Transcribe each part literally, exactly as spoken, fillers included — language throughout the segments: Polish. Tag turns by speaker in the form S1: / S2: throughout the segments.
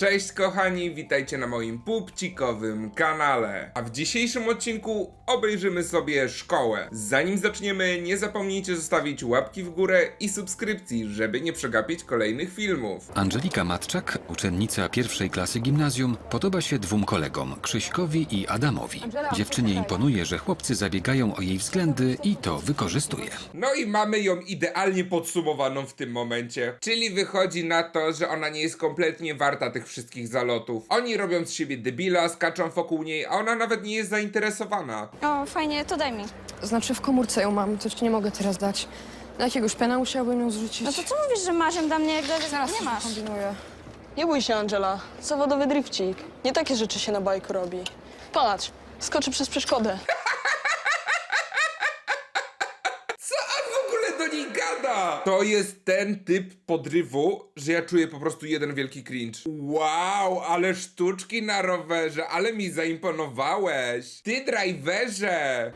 S1: Cześć kochani, witajcie na moim pupcikowym kanale. A w dzisiejszym odcinku obejrzymy sobie szkołę. Zanim zaczniemy, nie zapomnijcie zostawić łapki w górę i subskrypcji, żeby nie przegapić kolejnych filmów.
S2: Angelika Matczak, uczennica pierwszej klasy gimnazjum, podoba się dwóm kolegom, Krzyśkowi i Adamowi. Dziewczynie imponuje, że chłopcy zabiegają o jej względy i to wykorzystuje.
S1: No i mamy ją idealnie podsumowaną w tym momencie. Czyli wychodzi na to, że ona nie jest kompletnie warta tych wszystkich zalotów. Oni robią z siebie debila, skaczą wokół niej, a ona nawet nie jest zainteresowana.
S3: O, fajnie, to daj mi.
S4: Znaczy w komórce ją mam, coś ci nie mogę teraz dać. Na jakiegoś pena musiałabym ją zrzucić.
S3: No to co mówisz, że masz ją dla mnie, jak
S4: Zaraz
S3: nie
S4: coś
S3: masz?
S4: kombinuję.
S5: Nie bój się, Angela. Zawodowy drifcik. Nie takie rzeczy się na bajku robi. Patrz, skoczy przez przeszkodę.
S1: Co on w ogóle do niej gada? To jest ten typ podrywu, że ja czuję po prostu jeden wielki cringe. Wow, ale sztuczki na rowerze, ale mi zaimponowałeś. Ty, driverze!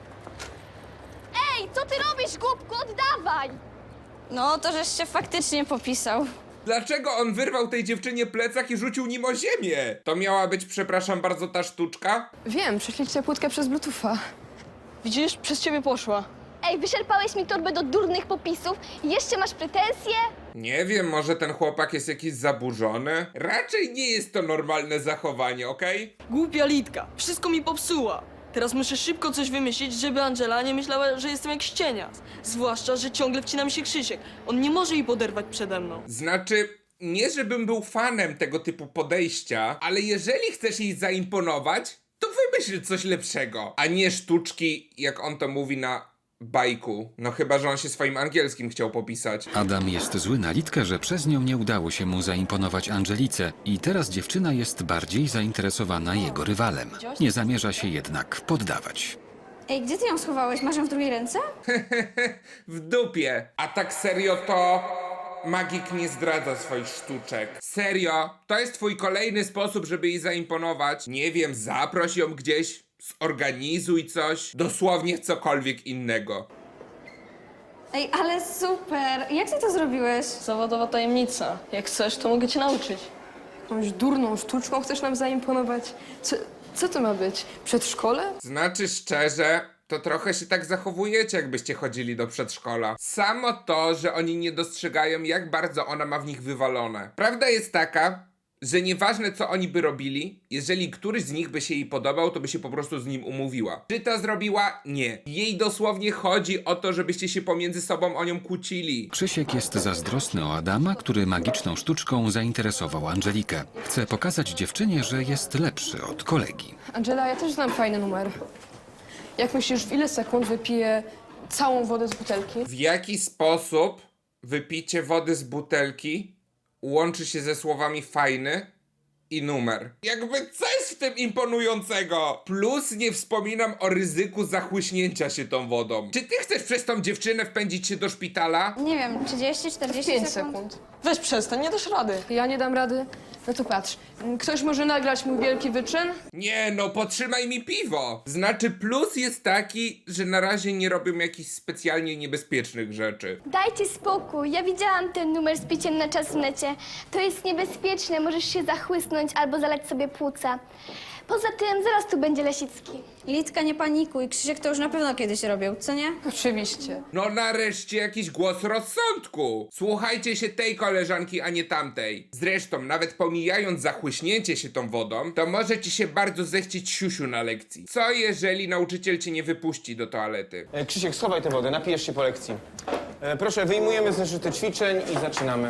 S6: Ej, co ty robisz, głupku? Oddawaj!
S3: No, to żeś się faktycznie popisał.
S1: Dlaczego on wyrwał tej dziewczynie plecak i rzucił nim o ziemię? To miała być, przepraszam bardzo, ta sztuczka?
S4: Wiem, prześlijcie płytkę przez Bluetootha.
S5: Widzisz, przez ciebie poszła.
S6: Ej, wyszarpałeś mi torbę do durnych popisów i jeszcze masz pretensje?
S1: Nie wiem, może ten chłopak jest jakiś zaburzony? Raczej nie jest to normalne zachowanie, okej?
S5: Głupia Litka, wszystko mi popsuła. Teraz muszę szybko coś wymyślić, żeby Angela nie myślała, że jestem jak ścienias. Zwłaszcza, że ciągle wcina mi się Krzysiek. On nie może jej poderwać przede mną.
S1: Znaczy, nie żebym był fanem tego typu podejścia, ale jeżeli chcesz jej zaimponować, to wymyśl coś lepszego, a nie sztuczki, jak on to mówi na bajku. No chyba, że on się swoim angielskim chciał popisać.
S2: Adam jest zły na Litkę, że przez nią nie udało się mu zaimponować Angelice i teraz dziewczyna jest bardziej zainteresowana jego rywalem. Nie zamierza się jednak poddawać.
S3: Ej, gdzie ty ją schowałeś? Masz ją w drugiej ręce?
S1: W dupie. A tak serio to... Magik nie zdradza swoich sztuczek. Serio? To jest twój kolejny sposób, żeby jej zaimponować? Nie wiem, zaproś ją gdzieś, zorganizuj coś, dosłownie cokolwiek innego.
S3: Ej, ale super! Jak ty to zrobiłeś?
S5: Zawodowa tajemnica. Jak chcesz, to mogę cię nauczyć.
S4: Jakąś durną sztuczką chcesz nam zaimponować? Co, co to ma być? Przedszkole?
S1: Znaczy szczerze, to trochę się tak zachowujecie, jakbyście chodzili do przedszkola. Samo to, że oni nie dostrzegają, jak bardzo ona ma w nich wywalone. Prawda jest taka, że nieważne co oni by robili, jeżeli któryś z nich by się jej podobał, to by się po prostu z nim umówiła. Czy to zrobiła? Nie. Jej dosłownie chodzi o to, żebyście się pomiędzy sobą o nią kłócili.
S2: Krzysiek jest zazdrosny o Adama, który magiczną sztuczką zainteresował Angelikę. Chce pokazać dziewczynie, że jest lepszy od kolegi.
S4: Angela, ja też znam fajny numer. Jak myślisz, w ile sekund wypiję całą wodę z butelki?
S1: W jaki sposób wypicie wody z butelki łączy się ze słowami fajny i numer? Jakby co jest w tym imponującego? Plus nie wspominam o ryzyku zachłyśnięcia się tą wodą. Czy ty chcesz przez tą dziewczynę wpędzić się do szpitala?
S3: Nie wiem, trzydzieści, czterdzieści
S4: Pięć
S3: sekund?
S4: sekund.
S5: Weź przestań, nie dasz rady.
S4: Ja nie dam rady? No to patrz, ktoś może nagrać mój wielki wyczyn?
S1: Nie no, potrzymaj mi piwo! Znaczy plus jest taki, że na razie nie robią jakichś specjalnie niebezpiecznych rzeczy.
S6: Dajcie spokój, ja widziałam ten numer z piciem na czas w necie. To jest niebezpieczne, możesz się zachłysnąć albo zalać sobie płuca. Poza tym zaraz tu będzie Lesicki.
S3: Litka, nie panikuj. Krzysiek to już na pewno kiedyś robił, co nie?
S4: Oczywiście.
S1: No nareszcie jakiś głos rozsądku. Słuchajcie się tej koleżanki, a nie tamtej. Zresztą, nawet pomijając zachłyśnięcie się tą wodą, to może ci się bardzo zechcieć siusiu na lekcji. Co jeżeli nauczyciel cię nie wypuści do toalety?
S7: E, Krzysiek, schowaj tę wodę, napijesz się po lekcji. E, proszę, wyjmujemy zeszyty ćwiczeń i zaczynamy.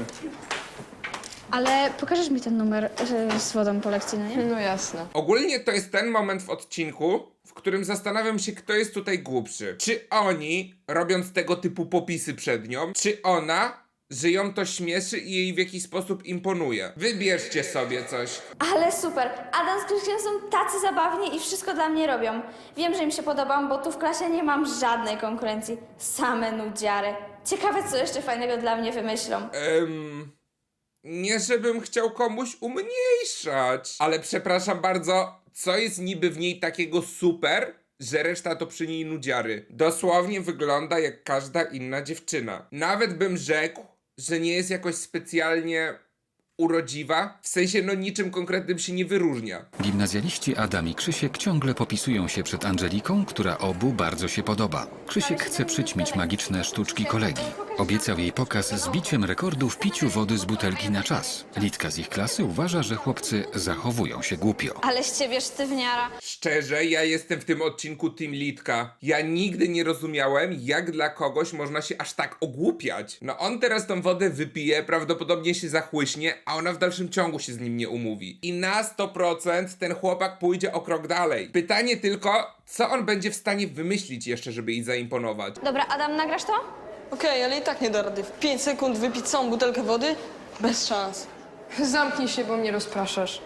S3: Ale pokażesz mi ten numer y, z wodą po lekcji, no nie?
S4: No jasne.
S1: Ogólnie to jest ten moment w odcinku, w którym zastanawiam się, kto jest tutaj głupszy. Czy oni, robiąc tego typu popisy przed nią, czy ona, że ją to śmieszy i jej w jakiś sposób imponuje. Wybierzcie sobie coś.
S6: Ale super, Adam z Krzyśkiem są tacy zabawni i wszystko dla mnie robią. Wiem, że im się podobam, bo tu w klasie nie mam żadnej konkurencji. Same nudziary. Ciekawe, co jeszcze fajnego dla mnie wymyślą.
S1: Ehm... Nie żebym chciał komuś umniejszać, ale przepraszam bardzo, co jest niby w niej takiego super, że reszta to przy niej nudziary. Dosłownie wygląda jak każda inna dziewczyna. Nawet bym rzekł, że nie jest jakoś specjalnie urodziwa, w sensie no niczym konkretnym się nie wyróżnia.
S2: Gimnazjaliści Adam i Krzysiek ciągle popisują się przed Angeliką, która obu bardzo się podoba. Krzysiek chce przyćmić magiczne sztuczki kolegi. Obiecał jej pokaz z biciem rekordu w piciu wody z butelki na czas. Litka z ich klasy uważa, że chłopcy zachowują się głupio.
S6: Ale z ciebie sztywniara.
S1: Szczerze, ja jestem w tym odcinku Team Litka. Ja nigdy nie rozumiałem, jak dla kogoś można się aż tak ogłupiać. No on teraz tą wodę wypije, prawdopodobnie się zachłyśnie, a ona w dalszym ciągu się z nim nie umówi. I na sto procent ten chłopak pójdzie o krok dalej. Pytanie tylko, co on będzie w stanie wymyślić jeszcze, żeby jej zaimponować.
S6: Dobra, Adam, nagrasz to?
S5: Okej, ale i tak nie da rady. W pięć sekund wypić całą butelkę wody? Bez szans.
S4: Zamknij się, bo mnie rozpraszasz.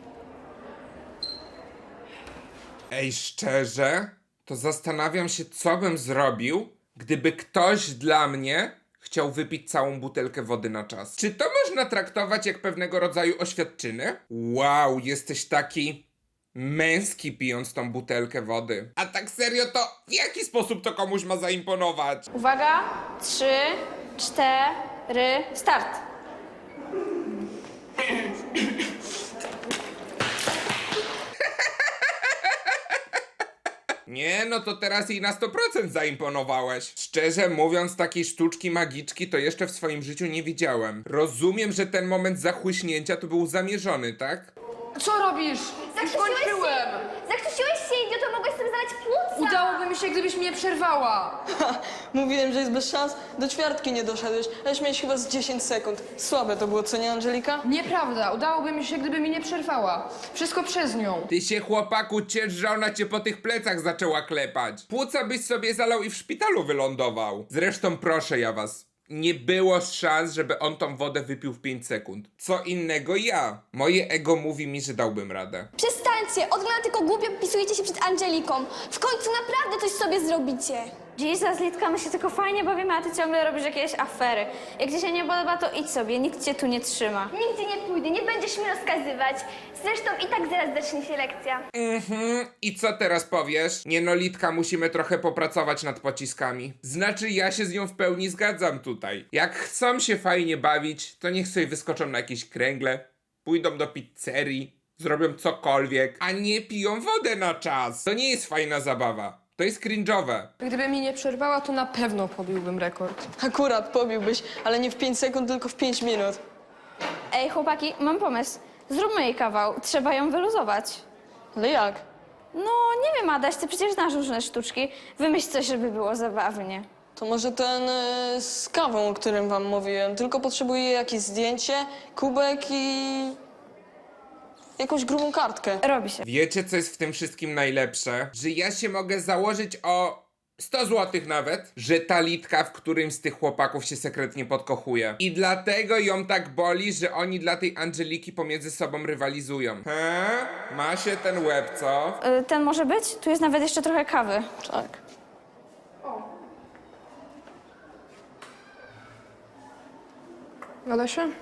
S1: Ej, szczerze, to zastanawiam się, co bym zrobił, gdyby ktoś dla mnie chciał wypić całą butelkę wody na czas. Czy to można traktować jak pewnego rodzaju oświadczyny? Wow, jesteś taki męski pijąc tą butelkę wody. A tak serio, to w jaki sposób to komuś ma zaimponować?
S6: Uwaga, trzy, cztery, start.
S1: Nie, no to teraz jej na sto procent zaimponowałeś. Szczerze mówiąc, takiej sztuczki magiczki to jeszcze w swoim życiu nie widziałem. Rozumiem, że ten moment zachłyśnięcia to był zamierzony, tak?
S4: Co robisz? Skończyłem!
S6: Zakrztusiłeś się, idioto, mogłeś sobie zalać płuca.
S4: Udałoby mi się, gdybyś mnie przerwała.
S5: Mówiłem, że jest bez szans. Do ćwiartki nie doszedłeś, aleś miałeś chyba z dziesięć sekund. Słabe to było, co nie, Angelika?
S4: Nieprawda, udałoby mi się, gdyby mi nie przerwała. Wszystko przez nią.
S1: Ty się, chłopaku, ciesz, że ona cię po tych plecach zaczęła klepać. Płuca byś sobie zalał i w szpitalu wylądował. Zresztą proszę ja was, nie było szans, żeby on tą wodę wypił w pięć sekund. Co innego ja. Moje ego mówi mi, że dałbym radę.
S8: Przestańcie, od rana tylko głupio pisujecie się przed Angeliką. W końcu naprawdę coś sobie zrobicie.
S6: Jesus, Litka, my się tylko fajnie bawimy, a ty ciągle robisz jakieś afery. Jak ci się nie podoba, to idź sobie, nikt cię tu nie trzyma.
S8: Nigdzie nie pójdę, nie będziesz mi rozkazywać. Zresztą i tak zaraz zacznie się lekcja.
S1: Mhm, i co teraz powiesz? Nie no, Litka, musimy trochę popracować nad pociskami. Znaczy, ja się z nią w pełni zgadzam tutaj. Jak chcą się fajnie bawić, to niech sobie wyskoczą na jakieś kręgle, pójdą do pizzerii, zrobią cokolwiek, a nie piją wodę na czas. To nie jest fajna zabawa. To jest cringe'owe.
S4: Gdyby mi nie przerwała, to na pewno pobiłbym rekord.
S5: Akurat pobiłbyś, ale nie w pięć sekund, tylko w pięć minut.
S6: Ej, chłopaki, mam pomysł. Zróbmy jej kawał, trzeba ją wyluzować.
S5: Ale jak?
S6: No, nie wiem, Adaś, ty przecież znasz różne sztuczki. Wymyśl coś, żeby było zabawnie.
S5: To może ten y, z kawą, o którym wam mówiłem. Tylko potrzebuję jakieś zdjęcie, kubek i jakąś grubą kartkę.
S6: Robi się.
S1: Wiecie, co jest w tym wszystkim najlepsze? Że ja się mogę założyć o sto złotych nawet, że ta Litka w którymś z tych chłopaków się sekretnie podkochuje. I dlatego ją tak boli, że oni dla tej Angeliki pomiędzy sobą rywalizują. He? Ma się ten łeb, co?
S6: Y, ten może być? Tu jest nawet jeszcze trochę kawy.
S5: Tak.
S4: Gada się?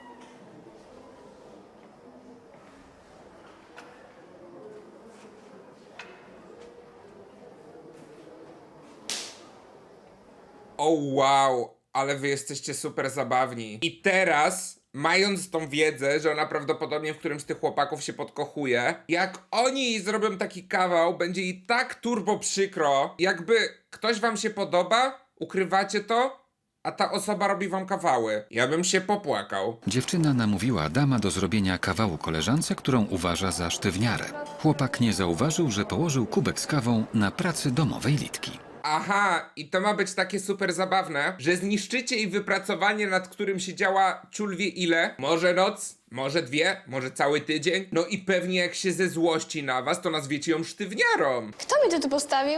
S1: O wow, ale wy jesteście super zabawni. I teraz, mając tą wiedzę, że ona prawdopodobnie w którymś z tych chłopaków się podkochuje, jak oni jej zrobią taki kawał, będzie jej tak turbo przykro, jakby ktoś wam się podoba, ukrywacie to, a ta osoba robi wam kawały. Ja bym się popłakał.
S2: Dziewczyna namówiła Adama do zrobienia kawału koleżance, którą uważa za sztywniarę. Chłopak nie zauważył, że położył kubek z kawą na pracy domowej Litki.
S1: Aha, i to ma być takie super zabawne, że zniszczycie jej wypracowanie, nad którym siedziała ciul wie ile. Może noc, może dwie, może cały tydzień. No i pewnie jak się ze złości na was, to nazwiecie ją sztywniarą.
S8: Kto mi to tu postawił?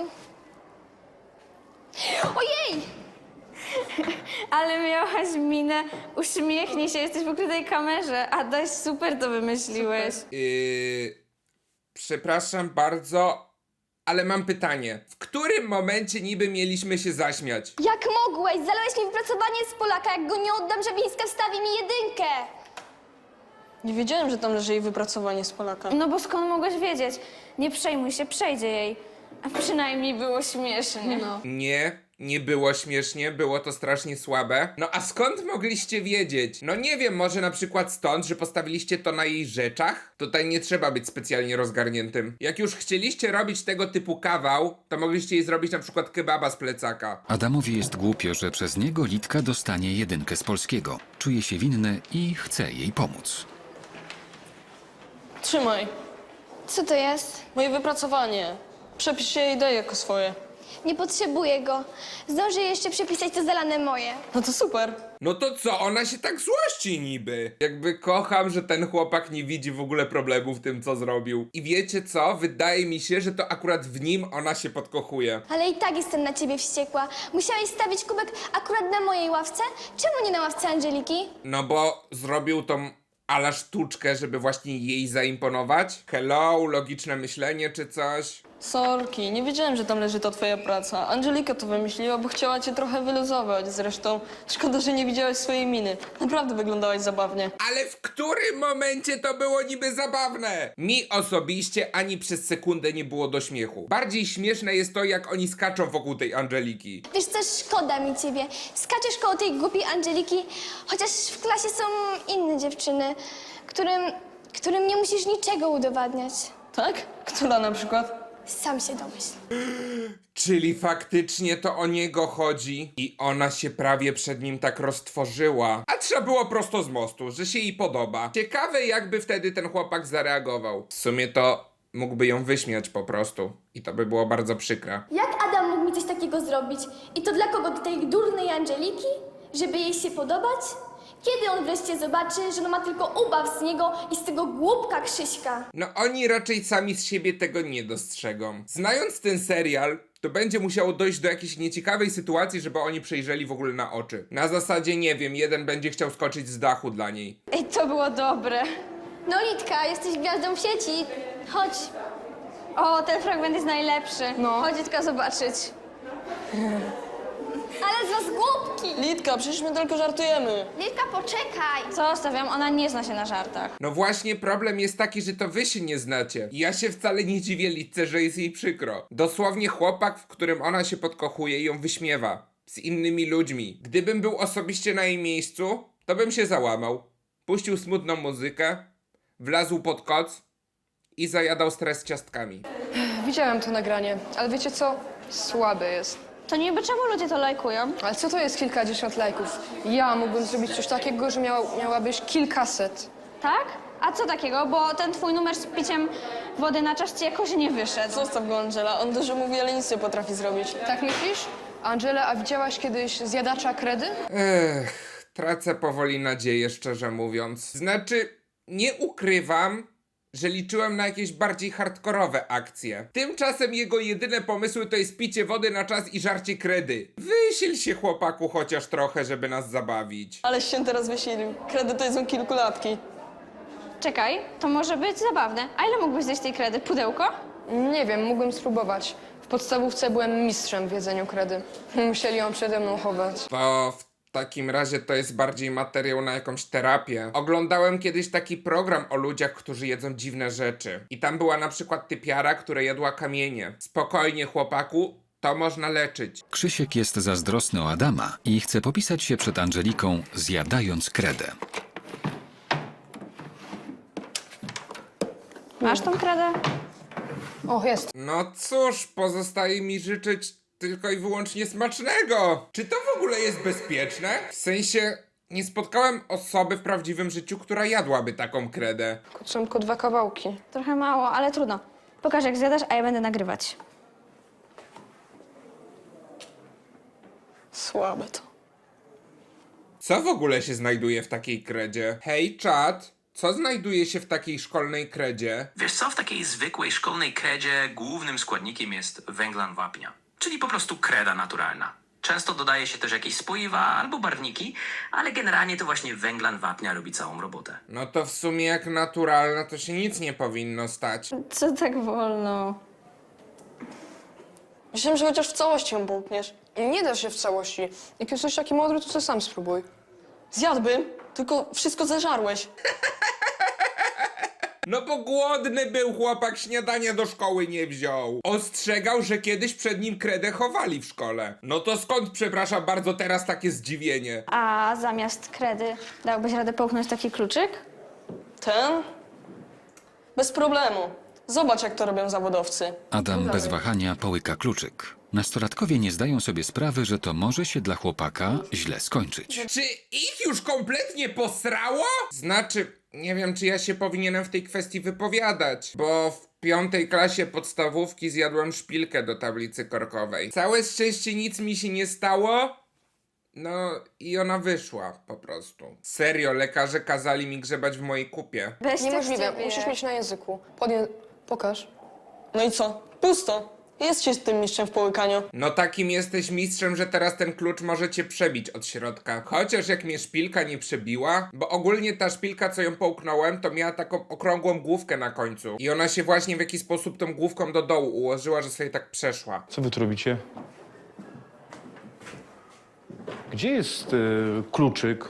S8: Ojej!
S6: Ale miałaś minę, uśmiechnij się, jesteś w ukrytej kamerze. Adaś, super to wymyśliłeś.
S1: Yy, przepraszam bardzo, ale mam pytanie. W którym momencie niby mieliśmy się zaśmiać?
S8: Jak mogłeś? Zalałeś mi wypracowanie z Polaka. Jak go nie oddam, Żabińska wstawi mi jedynkę.
S5: Nie wiedziałem, że tam leży jej wypracowanie z Polaka.
S6: No bo skąd mogłeś wiedzieć? Nie przejmuj się, przejdzie jej. A przynajmniej było śmiesznie.
S4: No.
S1: Nie, Nie było śmiesznie, było to strasznie słabe. No a skąd mogliście wiedzieć? No nie wiem, może na przykład stąd, że postawiliście to na jej rzeczach? Tutaj nie trzeba być specjalnie rozgarniętym. Jak już chcieliście robić tego typu kawał, to mogliście jej zrobić na przykład kebaba z plecaka.
S2: Adamowi jest głupio, że przez niego Litka dostanie jedynkę z polskiego. Czuje się winny i chce jej pomóc.
S5: Trzymaj,
S8: Co to jest?
S5: moje wypracowanie. Przepisz je i daj jako swoje.
S8: Nie potrzebuję go. Zdążę jeszcze przepisać to zalane moje.
S5: No to super.
S1: No to co, ona się tak złości niby? Jakby kocham, że ten chłopak nie widzi w ogóle problemu w tym, co zrobił. I wiecie co? Wydaje mi się, że to akurat w nim ona się podkochuje.
S8: Ale i tak jestem na ciebie wściekła. Musiałeś stawić kubek akurat na mojej ławce? Czemu nie na ławce Angeliki?
S1: No bo zrobił tą ala sztuczkę, żeby właśnie jej zaimponować. Hello, logiczne myślenie czy coś.
S5: Sorki, nie wiedziałem, że tam leży ta twoja praca. Angelika to wymyśliła, bo chciała cię trochę wyluzować. Zresztą szkoda, że nie widziałeś swojej miny. Naprawdę wyglądałaś zabawnie.
S1: Ale w którym momencie to było niby zabawne? Mi osobiście ani przez sekundę nie było do śmiechu. Bardziej śmieszne jest to, jak oni skaczą wokół tej Angeliki.
S8: Wiesz co, szkoda mi ciebie. Skaczesz koło tej głupiej Angeliki, chociaż w klasie są inne dziewczyny, którym, którym nie musisz niczego udowadniać.
S5: Tak? Która na przykład?
S8: Sam się domyśl.
S1: Czyli faktycznie to o niego chodzi i ona się prawie przed nim tak roztworzyła. A trzeba było prosto z mostu, że się jej podoba. Ciekawe, jakby wtedy ten chłopak zareagował. W sumie to mógłby ją wyśmiać po prostu i to by było bardzo przykre.
S8: Jak Adam mógł mi coś takiego zrobić? I to dla kogo? Dla tej durnej Angeliki? Żeby jej się podobać? Kiedy on wreszcie zobaczy, że no ma tylko ubaw z niego i z tego głupka Krzyśka?
S1: No oni raczej sami z siebie tego nie dostrzegą. Znając ten serial, to będzie musiało dojść do jakiejś nieciekawej sytuacji, żeby oni przejrzeli w ogóle na oczy. Na zasadzie, nie wiem, jeden będzie chciał skoczyć z dachu dla niej.
S8: Ej, to było dobre. No Litka, jesteś gwiazdą w sieci. Chodź. O, ten fragment jest najlepszy.
S4: No.
S8: Chodź tylko zobaczyć. Ale z was głupki!
S5: Litka, przecież my tylko żartujemy.
S8: Litka, poczekaj!
S3: Zostawiam, ona nie zna się na żartach.
S1: No właśnie, problem jest taki, że to wy się nie znacie. I ja się wcale nie dziwię Litce, że jest jej przykro. Dosłownie chłopak, w którym ona się podkochuje i ją wyśmiewa. Z innymi ludźmi. Gdybym był osobiście na jej miejscu, to bym się załamał. Puścił smutną muzykę, wlazł pod koc i zajadał stres ciastkami.
S4: Widziałem to nagranie, ale wiecie co? Słabe jest.
S3: To niby czemu ludzie to lajkują?
S4: Ale co to jest kilkadziesiąt lajków? Ja mógłbym zrobić coś takiego, że miała, miałabyś kilkaset.
S3: Tak? A co takiego? Bo ten twój numer z piciem wody na czas ci jakoś nie wyszedł.
S5: Zostaw go, Angela. On dużo mówi, ale nic nie potrafi zrobić.
S4: Tak myślisz? Angela, a widziałaś kiedyś zjadacza kredy?
S1: Ech, tracę powoli nadzieję, szczerze mówiąc. Znaczy, nie ukrywam, że liczyłem na jakieś bardziej hardkorowe akcje. Tymczasem jego jedyne pomysły to jest picie wody na czas i żarcie kredy. Wysil się, chłopaku, chociaż trochę, żeby nas zabawić.
S5: Aleś się teraz wysilił. Kredy to są kilkulatki.
S3: Czekaj, to może być zabawne. A ile mógłbyś zjeść tej kredy? Pudełko?
S4: Nie wiem, mógłbym spróbować. W podstawówce byłem mistrzem w jedzeniu kredy. Musieli ją przede mną chować.
S1: To w takim razie to jest bardziej materiał na jakąś terapię. Oglądałem kiedyś taki program o ludziach, którzy jedzą dziwne rzeczy. I tam była na przykład typiara, która jadła kamienie. Spokojnie, chłopaku, to można leczyć.
S2: Krzysiek jest zazdrosny o Adama i chce popisać się przed Angeliką, zjadając kredę.
S3: Masz tą kredę?
S4: O, jest.
S1: No cóż, pozostaje mi życzyć tylko i wyłącznie smacznego. Czy to w ogóle jest bezpieczne? W sensie, nie spotkałem osoby w prawdziwym życiu, która jadłaby taką kredę.
S4: Są tylko dwa kawałki.
S3: Trochę mało, ale trudno. Pokaż jak zjadasz, a ja będę nagrywać.
S5: Słabe to.
S1: Co w ogóle się znajduje w takiej kredzie? Hej, czat, co znajduje się w takiej szkolnej kredzie?
S9: Wiesz co, w takiej zwykłej szkolnej kredzie głównym składnikiem jest węglan wapnia, czyli po prostu kreda naturalna. Często dodaje się też jakieś spoiwa albo barwniki, ale generalnie to właśnie węglan wapnia robi całą robotę.
S1: No to w sumie jak naturalna to się nic nie powinno stać.
S3: Co tak wolno?
S5: Myślałem, że chociaż w całości ją połkniesz.
S4: Nie da się w całości. Jak jesteś taki mądry, to co sam spróbuj.
S5: Zjadłbym, tylko wszystko zeżarłeś.
S1: No bo głodny był chłopak, śniadania do szkoły nie wziął. Ostrzegał, że kiedyś przed nim kredę chowali w szkole. No to skąd, przepraszam bardzo, teraz takie zdziwienie?
S3: A zamiast kredy dałbyś radę połknąć taki kluczyk?
S5: Ten? Bez problemu. Zobacz, jak to robią zawodowcy.
S2: Adam bez wahania połyka kluczyk. Nastolatkowie nie zdają sobie sprawy, że to może się dla chłopaka źle skończyć.
S1: Czy ich już kompletnie posrało? Znaczy, nie wiem, czy ja się powinienem w tej kwestii wypowiadać, bo w piątej klasie podstawówki zjadłem szpilkę do tablicy korkowej. Całe szczęście nic mi się nie stało, no i ona wyszła po prostu. Serio, lekarze kazali mi grzebać w mojej kupie.
S3: Weź
S4: Niemożliwe,
S3: tak
S4: musisz mieć na języku. Podję... Pokaż.
S5: No i co? Pusto. Jest się z tym mistrzem w połykaniu.
S1: No takim jesteś mistrzem, że teraz ten klucz może cię przebić od środka. Chociaż jak mnie szpilka nie przebiła, bo ogólnie ta szpilka, co ją połknąłem, to miała taką okrągłą główkę na końcu. I ona się właśnie w jakiś sposób tą główką do dołu ułożyła, że sobie tak przeszła.
S10: Co wy tu robicie? Gdzie jest y, kluczyk?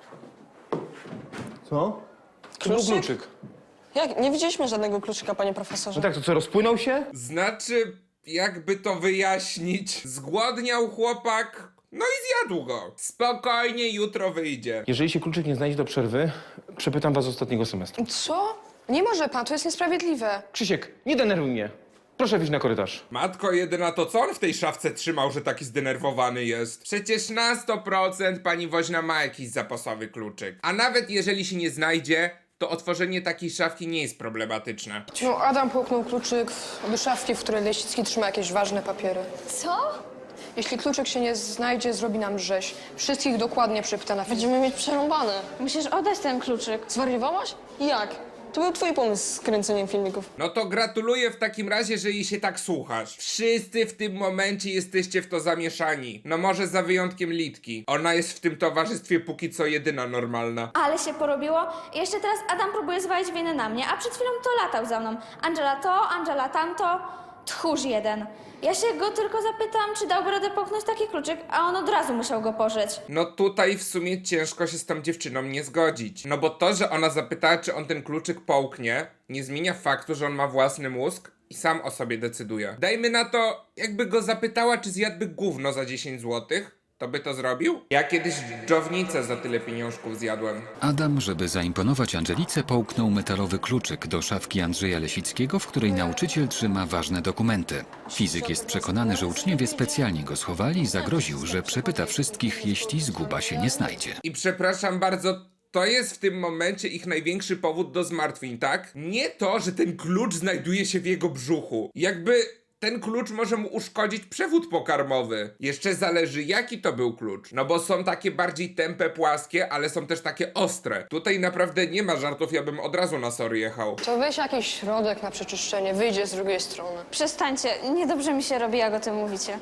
S10: Co? To był
S5: Kluczyk?
S10: kluczyk.
S5: Jak? Nie widzieliśmy żadnego kluczyka, panie profesorze.
S10: No tak, to co, rozpłynął się?
S1: Znaczy, jakby to wyjaśnić, zgłodniał chłopak, no i zjadł go. Spokojnie, jutro wyjdzie.
S10: Jeżeli się kluczyk nie znajdzie do przerwy, przepytam was z ostatniego semestru.
S4: Co? Nie może pan, to jest niesprawiedliwe.
S10: Krzysiek, nie denerwuj mnie. Proszę wyjść na korytarz.
S1: Matko jedyna, to co on w tej szafce trzymał, że taki zdenerwowany jest? Przecież na sto procent pani woźna ma jakiś zapasowy kluczyk. A nawet jeżeli się nie znajdzie, to otworzenie takiej szafki nie jest problematyczne.
S4: No, Adam połknął kluczyk do szafki, w której Leśnicki trzyma jakieś ważne papiery.
S8: Co?
S4: Jeśli kluczyk się nie znajdzie, zrobi nam rzeź. Wszystkich dokładnie przepyta na fizykę.
S5: Będziemy mieć przerąbane.
S3: Musisz oddać ten kluczyk.
S5: Zwariowałaś? Jak? To był twój pomysł z kręceniem filmików.
S1: No to gratuluję w takim razie, że jej się tak słuchasz. Wszyscy w tym momencie jesteście w to zamieszani. No może za wyjątkiem Litki. Ona jest w tym towarzystwie póki co jedyna normalna.
S6: Ale się porobiło. I jeszcze teraz Adam próbuje zwalić winę na mnie, a przed chwilą to latał za mną. Angela to, Angela tamto. Tchórz jeden. Ja się go tylko zapytam, czy dałby radę połknąć taki kluczyk, a on od razu musiał go pożyć.
S1: No tutaj w sumie ciężko się z tą dziewczyną nie zgodzić. No bo to, że ona zapytała, czy on ten kluczyk połknie, nie zmienia faktu, że on ma własny mózg i sam o sobie decyduje. Dajmy na to, jakby go zapytała, czy zjadłby gówno za dziesięć złotych, to by to zrobił? Ja kiedyś dżownicę za tyle pieniążków zjadłem.
S2: Adam, żeby zaimponować Angelice, połknął metalowy kluczyk do szafki Andrzeja Lesickiego, w której nauczyciel trzyma ważne dokumenty. Fizyk jest przekonany, że uczniowie specjalnie go schowali i zagroził, że przepyta wszystkich, jeśli zguba się nie znajdzie.
S1: I przepraszam bardzo, to jest w tym momencie ich największy powód do zmartwień, tak? Nie to, że ten klucz znajduje się w jego brzuchu. Jakby ten klucz może mu uszkodzić przewód pokarmowy. Jeszcze zależy, jaki to był klucz. No bo są takie bardziej tępe, płaskie, ale są też takie ostre. Tutaj naprawdę nie ma żartów, ja bym od razu na sory jechał.
S4: To weź jakiś środek na przeczyszczenie, wyjdzie z drugiej strony.
S3: Przestańcie, niedobrze mi się robi, jak o tym mówicie.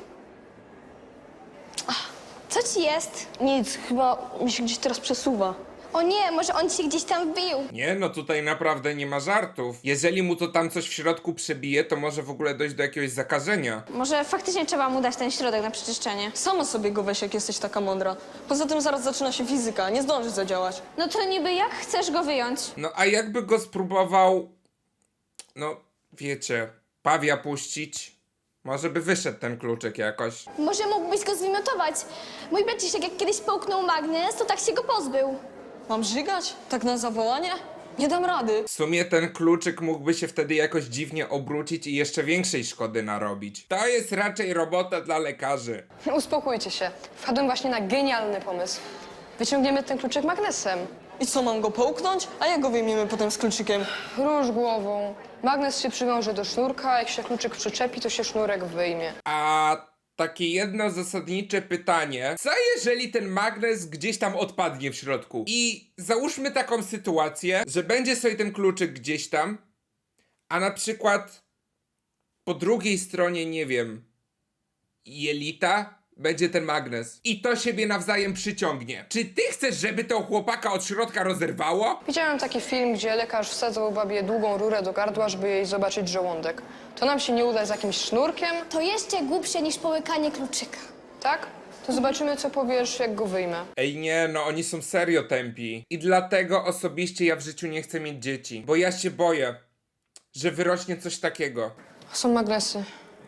S8: Co ci jest?
S5: Nic, chyba mi się gdzieś teraz przesuwa.
S8: O nie, może on ci się gdzieś tam wbił.
S1: Nie, no tutaj naprawdę nie ma żartów. Jeżeli mu to tam coś w środku przebije, to może w ogóle dojść do jakiegoś zakażenia.
S3: Może faktycznie trzeba mu dać ten środek na przeczyszczenie.
S5: Sama sobie go weź, jak jesteś taka mądra. Poza tym zaraz zaczyna się fizyka, nie zdążysz zadziałać.
S3: No to niby jak chcesz go wyjąć?
S1: No a jakby go spróbował, no wiecie, pawia puścić, może by wyszedł ten kluczyk jakoś.
S8: Może mógłbyś go zwymiotować. Mój braciszek jak kiedyś połknął magnes, to tak się go pozbył.
S5: Mam żygać? Tak na zawołanie? Nie dam rady.
S1: W sumie ten kluczyk mógłby się wtedy jakoś dziwnie obrócić i jeszcze większej szkody narobić. To jest raczej robota dla lekarzy.
S4: Uspokójcie się. Wpadłem właśnie na genialny pomysł. Wyciągniemy ten kluczyk magnesem.
S5: I co, mam go połknąć? A jak go wyjmiemy potem z kluczykiem?
S4: Róż głową. Magnes się przywiąże do sznurka, jak się kluczyk przyczepi, to się sznurek wyjmie.
S1: A takie jedno zasadnicze pytanie. Co jeżeli ten magnes gdzieś tam odpadnie w środku? I załóżmy taką sytuację, że będzie sobie ten kluczyk gdzieś tam, a na przykład po drugiej stronie, nie wiem, jelita będzie ten magnes. I to siebie nawzajem przyciągnie. Czy ty chcesz, żeby to chłopaka od środka rozerwało?
S4: Widziałem taki film, gdzie lekarz wsadzał babie długą rurę do gardła, żeby jej zobaczyć żołądek. To nam się nie uda z jakimś sznurkiem,
S8: To jeszcze głupsze niż połykanie kluczyka.
S4: tak? To To zobaczymy, co powiesz, jak go wyjmę.
S1: Ej nie, no oni są serio tępi. I dlatego osobiście ja w życiu nie chcę mieć dzieci. Bo ja się boję, że wyrośnie coś takiego.
S4: Są magnesy.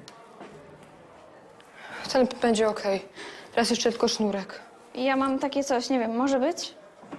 S4: Ten będzie okej. Teraz jeszcze tylko sznurek.
S3: Ja mam takie coś, nie wiem, może być?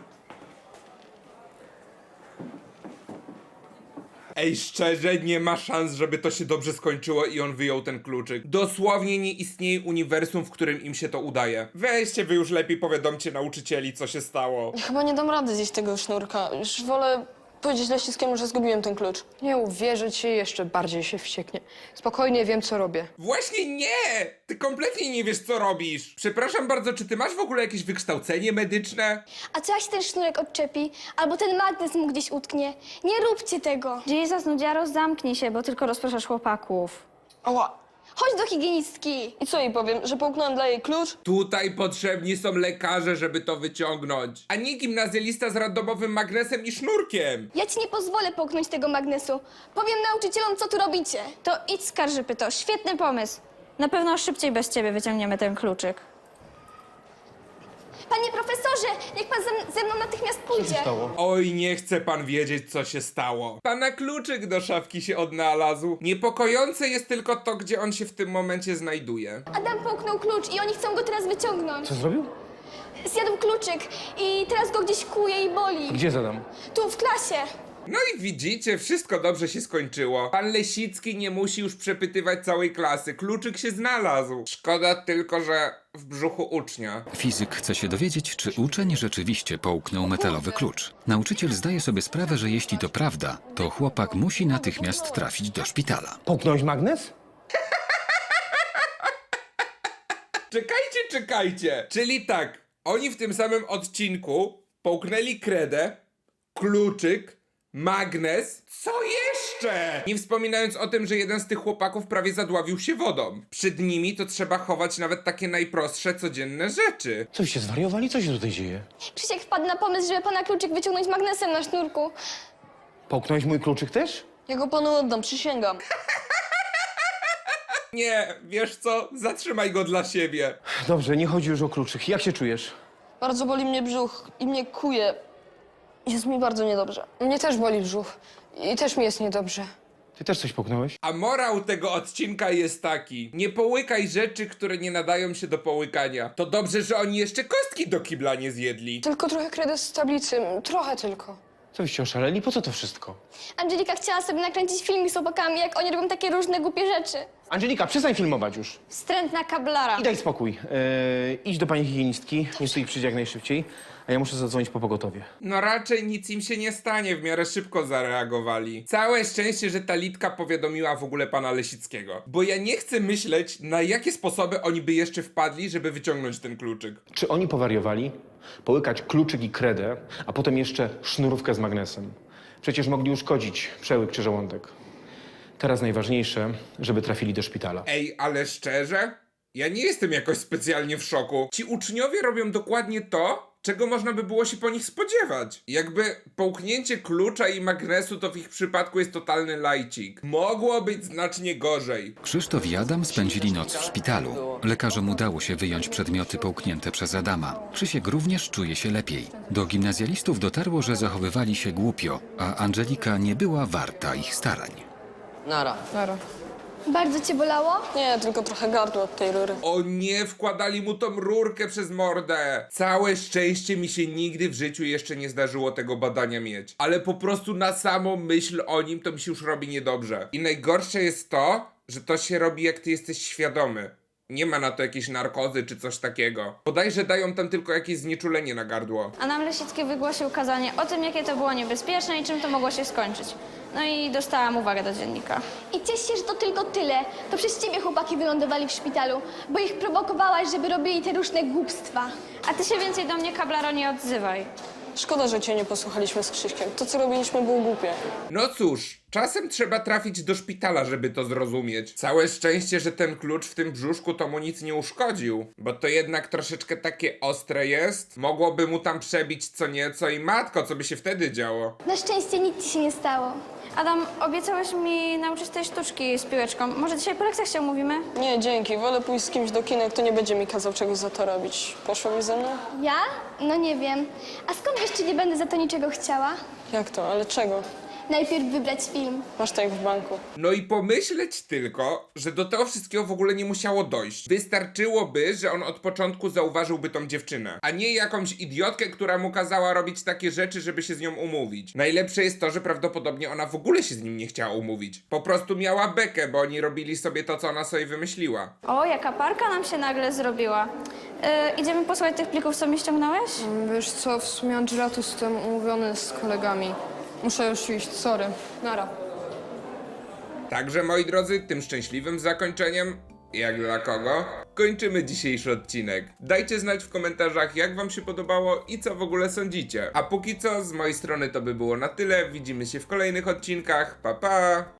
S1: Ej, szczerze, nie ma szans, żeby to się dobrze skończyło i on wyjął ten kluczyk. Dosłownie nie istnieje uniwersum, w którym im się to udaje. Weźcie wy już lepiej powiadomcie nauczycieli, co się stało.
S5: Chyba nie dam rady zjeść tego sznurka. Już wolę powiedzieć Leśnickiemu, że zgubiłem ten klucz.
S4: Nie uwierzę ci, jeszcze bardziej się wścieknie. Spokojnie, wiem, co robię.
S1: Właśnie nie! Ty kompletnie nie wiesz, co robisz. Przepraszam bardzo, czy ty masz w ogóle jakieś wykształcenie medyczne?
S8: A co jak się ten sznurek odczepi? Albo ten magnes mu gdzieś utknie? Nie róbcie tego.
S3: Jesus, nudziaro, zamknij się, bo tylko rozpraszasz chłopaków.
S5: Ała!
S8: Chodź do higienistki.
S5: I co jej powiem, że połknąłem dla jej klucz?
S1: Tutaj potrzebni są lekarze, żeby to wyciągnąć. A nie gimnazjalista z randomowym magnesem i sznurkiem.
S8: Ja ci nie pozwolę połknąć tego magnesu. Powiem nauczycielom, co tu robicie.
S3: To idź skarżypy, to świetny pomysł. Na pewno szybciej bez ciebie wyciągniemy ten kluczyk.
S8: Panie profesorze, niech pan ze, ze mną natychmiast pójdzie.
S1: Oj, nie chce pan wiedzieć, co się stało. Pana kluczyk do szafki się odnalazł. Niepokojące jest tylko to, gdzie on się w tym momencie znajduje.
S8: Adam połknął klucz i oni chcą go teraz wyciągnąć.
S10: Co zrobił?
S8: Zjadł kluczyk i teraz go gdzieś kłuje i boli.
S10: Gdzie zadam?
S8: Tu, w klasie.
S1: No i widzicie, wszystko dobrze się skończyło. Pan Lesicki nie musi już przepytywać całej klasy. Kluczyk się znalazł. Szkoda tylko, że w brzuchu ucznia.
S2: Fizyk chce się dowiedzieć, czy uczeń rzeczywiście połknął metalowy klucz. Nauczyciel zdaje sobie sprawę, że jeśli to prawda, to chłopak musi natychmiast trafić do szpitala.
S10: Połknąłeś magnes?
S1: Czekajcie, czekajcie. Czyli tak, oni w tym samym odcinku połknęli kredę, kluczyk, magnes. Co jeszcze? Nie wspominając o tym, że jeden z tych chłopaków prawie zadławił się wodą. Przed nimi to trzeba chować nawet takie najprostsze, codzienne rzeczy.
S10: Co się zwariowali? Co się tutaj dzieje?
S8: Krzysiek wpadł na pomysł, żeby pana kluczyk wyciągnąć magnesem na sznurku.
S10: Połknąłeś mój kluczyk też?
S5: Ja go panu oddam, przysięgam.
S1: Nie, wiesz co? Zatrzymaj go dla siebie.
S10: Dobrze, nie chodzi już o kluczyk. Jak się czujesz?
S5: Bardzo boli mnie brzuch i mnie kuje. Jest mi bardzo niedobrze.
S4: Mnie też boli brzuch. I też mi jest niedobrze.
S10: Ty też coś połknąłeś?
S1: A morał tego odcinka jest taki. Nie połykaj rzeczy, które nie nadają się do połykania. To dobrze, że oni jeszcze kostki do kibla nie zjedli.
S4: Tylko trochę kredy z tablicy. Trochę tylko.
S10: Co wyście oszaleli? Po co to wszystko?
S8: Angelika chciała sobie nakręcić filmik z chłopakami, jak oni robią takie różne głupie rzeczy.
S10: Angelika, przestań filmować już.
S3: Wstrętna kablara.
S10: I daj spokój. Yy, idź do pani higienistki, niech tu ich przyjdzie jak najszybciej, a ja muszę zadzwonić po pogotowie.
S1: No raczej nic im się nie stanie, w miarę szybko zareagowali. Całe szczęście, że ta Litka powiadomiła w ogóle pana Lesickiego. Bo ja nie chcę myśleć, na jakie sposoby oni by jeszcze wpadli, żeby wyciągnąć ten kluczyk.
S10: Czy oni powariowali? Połykać kluczyk i kredę, a potem jeszcze sznurówkę z magnesem. Przecież mogli uszkodzić przełyk czy żołądek. Teraz najważniejsze, żeby trafili do szpitala.
S1: Ej, ale szczerze? Ja nie jestem jakoś specjalnie w szoku. Ci uczniowie robią dokładnie to, czego można by było się po nich spodziewać. Jakby połknięcie klucza i magnesu to w ich przypadku jest totalny lajcik. Mogło być znacznie gorzej.
S2: Krzysztof i Adam spędzili noc w szpitalu. Lekarzom udało się wyjąć przedmioty połknięte przez Adama. Krzysiek również czuje się lepiej. Do gimnazjalistów dotarło, że zachowywali się głupio, a Angelika nie była warta ich starań.
S5: Nara.
S4: Nara.
S8: Bardzo cię bolało?
S5: Nie, tylko trochę gardło od tej rury.
S1: O nie, wkładali mu tą rurkę przez mordę. Całe szczęście mi się nigdy w życiu jeszcze nie zdarzyło tego badania mieć. Ale po prostu na samą myśl o nim to mi się już robi niedobrze. I najgorsze jest to, że to się robi jak ty jesteś świadomy. Nie ma na to jakiejś narkozy czy coś takiego. Bodajże dają tam tylko jakieś znieczulenie na gardło.
S3: A nam Lesicki wygłosił kazanie o tym, jakie to było niebezpieczne i czym to mogło się skończyć. No i dostałam uwagę do dziennika.
S8: I ciesz się, że to tylko tyle. To przez ciebie chłopaki wylądowali w szpitalu, bo ich prowokowałaś, żeby robili te różne głupstwa.
S3: A ty się więcej do mnie, kablaro, nie odzywaj.
S5: Szkoda, że cię nie posłuchaliśmy z Krzyśkiem. To, co robiliśmy, było głupie.
S1: No cóż, Czasem trzeba trafić do szpitala, żeby to zrozumieć. Całe szczęście, że ten klucz w tym brzuszku to mu nic nie uszkodził, bo to jednak troszeczkę takie ostre jest. Mogłoby mu tam przebić co nieco i matko, co by się wtedy działo?
S8: Na szczęście nic ci się nie stało.
S3: Adam, obiecałeś mi nauczyć tej sztuczki z piłeczką. Może dzisiaj po lekcjach się umówimy?
S5: Nie, dzięki. Wolę pójść z kimś do kina, kto nie będzie mi kazał czegoś za to robić. Poszłabyś ze mną?
S8: Ja? No nie wiem. A skąd wiesz, czy nie będę za to niczego chciała?
S5: Jak to? Ale czego?
S8: Najpierw wybrać film.
S5: Masz tak w banku.
S1: No i pomyśleć tylko, że do tego wszystkiego w ogóle nie musiało dojść. Wystarczyłoby, że on od początku zauważyłby tą dziewczynę, a nie jakąś idiotkę, która mu kazała robić takie rzeczy, żeby się z nią umówić. Najlepsze jest to, że prawdopodobnie ona w ogóle się z nim nie chciała umówić. Po prostu miała bekę, bo oni robili sobie to, co ona sobie wymyśliła.
S3: O, jaka parka nam się nagle zrobiła. Yy, idziemy posłuchać tych plików, co mi ściągnąłeś?
S4: Wiesz co, w sumie Angela tu jestem umówiony z kolegami. Muszę już iść, sorry. Nara.
S1: Także moi drodzy, tym szczęśliwym zakończeniem, jak dla kogo, kończymy dzisiejszy odcinek. Dajcie znać w komentarzach, jak wam się podobało i co w ogóle sądzicie. A póki co, z mojej strony to by było na tyle. Widzimy się w kolejnych odcinkach. Pa pa!